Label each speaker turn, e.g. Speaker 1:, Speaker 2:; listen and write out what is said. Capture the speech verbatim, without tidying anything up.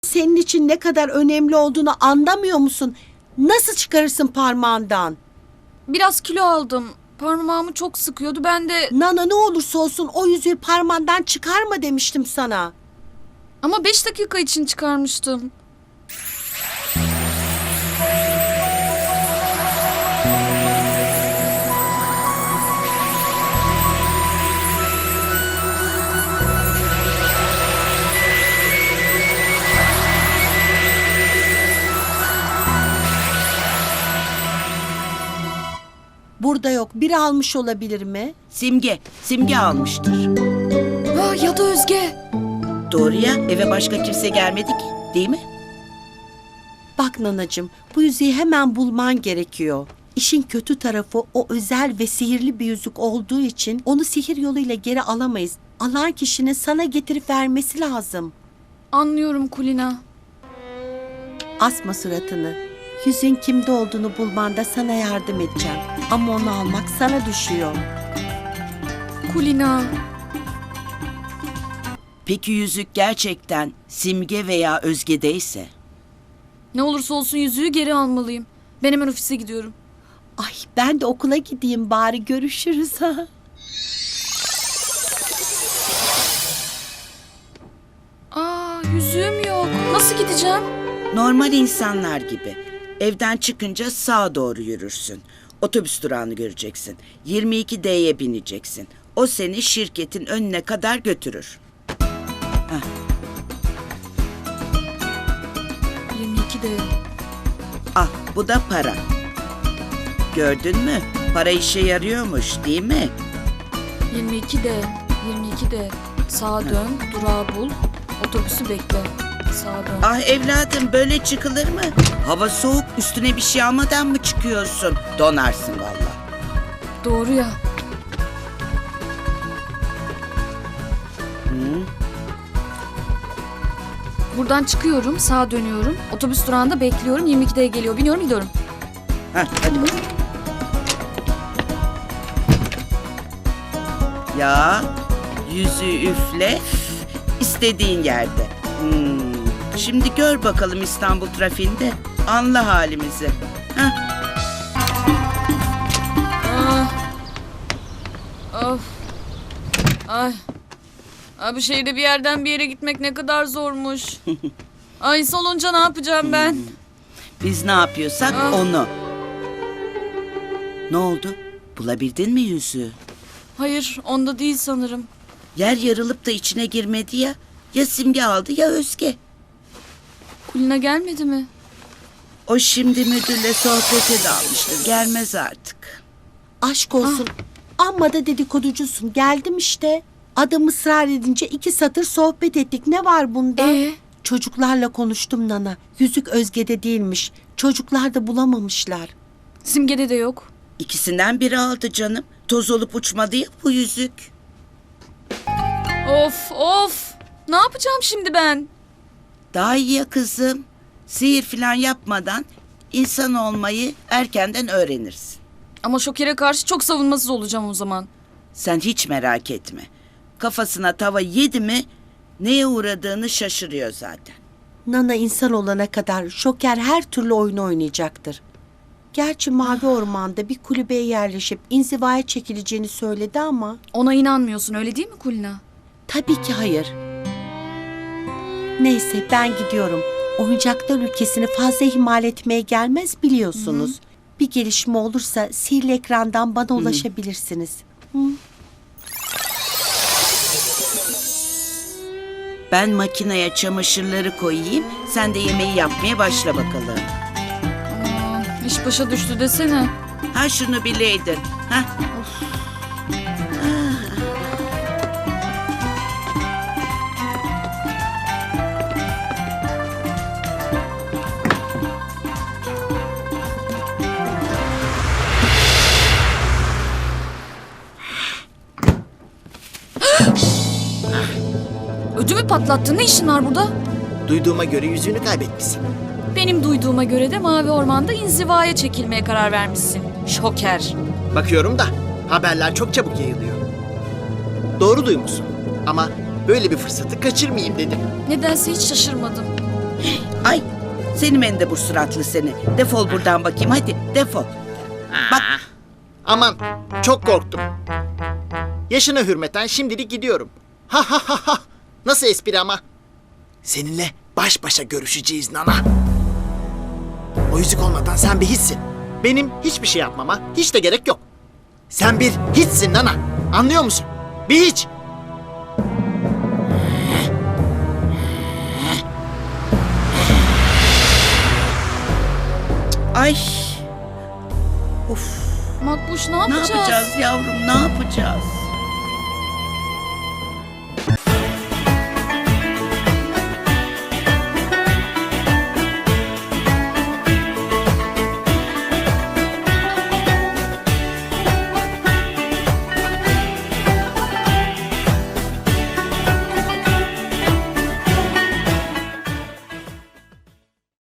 Speaker 1: senin için ne kadar önemli olduğunu anlamıyor musun? Nasıl çıkarırsın parmağından?
Speaker 2: Biraz kilo aldım. Parmağımı çok sıkıyordu. Ben de...
Speaker 1: Nana, ne olursa olsun o yüzüğü parmağından çıkarma demiştim sana.
Speaker 2: Ama beş dakika için çıkarmıştım.
Speaker 1: Burada yok. Biri almış olabilir mi?
Speaker 3: Simge, Simge almıştır.
Speaker 2: Ha, ya da Özge.
Speaker 3: Doğru ya, eve başka kimse gelmedi ki, değil mi?
Speaker 1: Bak nanacığım, bu yüzüğü hemen bulman gerekiyor. İşin kötü tarafı o özel ve sihirli bir yüzük olduğu için onu sihir yoluyla geri alamayız. Alan kişinin sana getirip vermesi lazım.
Speaker 2: Anlıyorum Kulina.
Speaker 1: Asma suratını. Yüzüğün kimde olduğunu bulmanda sana yardım edeceğim. Ama onu almak sana düşüyor.
Speaker 2: Kulina.
Speaker 3: Peki yüzük gerçekten Simge veya Özge'deyse?
Speaker 2: Ne olursa olsun yüzüğü geri almalıyım. Ben hemen ofise gidiyorum.
Speaker 1: Ay, ben de okula gideyim bari, görüşürüz ha.
Speaker 2: Aa, yüzüğüm yok. Nasıl gideceğim?
Speaker 3: Normal insanlar gibi. Evden çıkınca sağa doğru yürürsün. Otobüs durağını göreceksin. yirmi iki D'ye bineceksin. O seni şirketin önüne kadar götürür.
Speaker 2: yirmi iki de.
Speaker 3: Ah, bu da para. Gördün mü? Para işe yarıyormuş, değil mi?
Speaker 2: yirmi iki de. yirmi iki de. Sağa dön, durağı bul. Otobüsü bekle. Sağa dön.
Speaker 3: Ah evladım, böyle çıkılır mı? Hava soğuk, üstüne bir şey almadan mı çıkıyorsun? Donarsın vallahi.
Speaker 2: Doğru ya.
Speaker 3: Hı?
Speaker 2: Buradan çıkıyorum, sağa dönüyorum. Otobüs durağında bekliyorum. yirmi ikide geliyor. Biniyorum, gidiyorum.
Speaker 3: Heh, hadi bakalım. Ya, yüzü üfle, istediğin yerde. Hmm. Şimdi gör bakalım İstanbul trafiğinde. Anla halimizi. Heh.
Speaker 2: Ah. Of. Ay. Abi şehirde bir yerden bir yere gitmek ne kadar zormuş. Ay solunca ne yapacağım ben?
Speaker 3: Biz ne yapıyorsak
Speaker 2: Ah.
Speaker 3: onu. Ne oldu? Bulabildin mi yüzüğü?
Speaker 2: Hayır, onda değil sanırım.
Speaker 3: Yer yarılıp da içine girmedi ya. Ya Simge aldı ya Özge.
Speaker 2: Kulina gelmedi mi?
Speaker 3: O şimdi müdürle sohbete dalmıştır. Gelmez artık.
Speaker 1: Aşk olsun. Amma da dedikoducusun. Geldim işte. Adam ısrar edince iki satır sohbet ettik. Ne var bunda?
Speaker 2: Ee?
Speaker 1: Çocuklarla konuştum Nana. Yüzük Özge'de değilmiş. Çocuklar da bulamamışlar.
Speaker 2: Simge'de de yok.
Speaker 3: İkisinden biri aldı canım. Toz olup uçmadı ya bu yüzük.
Speaker 2: Of of. Ne yapacağım şimdi ben?
Speaker 3: Daha iyi ya kızım. Sihir falan yapmadan insan olmayı erkenden öğrenirsin.
Speaker 2: Ama Şoker'e karşı çok savunmasız olacağım o zaman.
Speaker 3: Sen hiç merak etme. Kafasına tava yedi mi neye uğradığını şaşırıyor zaten.
Speaker 1: Nana insan olana kadar Şoker her türlü oyunu oynayacaktır. Gerçi Mavi Orman'da bir kulübeye yerleşip inzivaya çekileceğini söyledi ama...
Speaker 2: Ona inanmıyorsun öyle değil mi Kulina?
Speaker 1: Tabii ki hayır. Neyse, ben gidiyorum. Oyuncaklar ülkesini fazla ihmal etmeye gelmez biliyorsunuz. Hı. Bir gelişme olursa sihirli ekrandan bana ulaşabilirsiniz. Hı.
Speaker 3: Ben makineye çamaşırları koyayım. Sen de yemeği yapmaya başla bakalım.
Speaker 2: Aa, iş başa düştü desene.
Speaker 3: Ha şunu bileydin. Ha?
Speaker 2: Ödümü patlattın. Ne işin var burada?
Speaker 4: Duyduğuma göre yüzüğünü kaybetmişsin.
Speaker 2: Benim duyduğuma göre de Mavi Orman'da inzivaya çekilmeye karar vermişsin. Şoker.
Speaker 4: Bakıyorum da haberler çok çabuk yayılıyor. Doğru duymuşsun ama böyle bir fırsatı kaçırmayayım dedim.
Speaker 2: Nedense hiç şaşırmadım.
Speaker 3: Ay seni mendebur suratlı seni. Defol buradan bakayım hadi defol. Bak
Speaker 4: Aman çok korktum. Yaşına hürmeten şimdilik gidiyorum. Ha ha ha ha. Nasıl espri ama? Seninle baş başa görüşeceğiz Nana. O yüzük olmadan sen bir hiçsin. Benim hiçbir şey yapmama hiç de gerek yok. Sen bir hiçsin Nana. Anlıyor musun? Bir hiç.
Speaker 3: ay. Of
Speaker 2: Makbuş ne
Speaker 3: ne
Speaker 2: yapacağız?
Speaker 3: yapacağız yavrum ne yapacağız?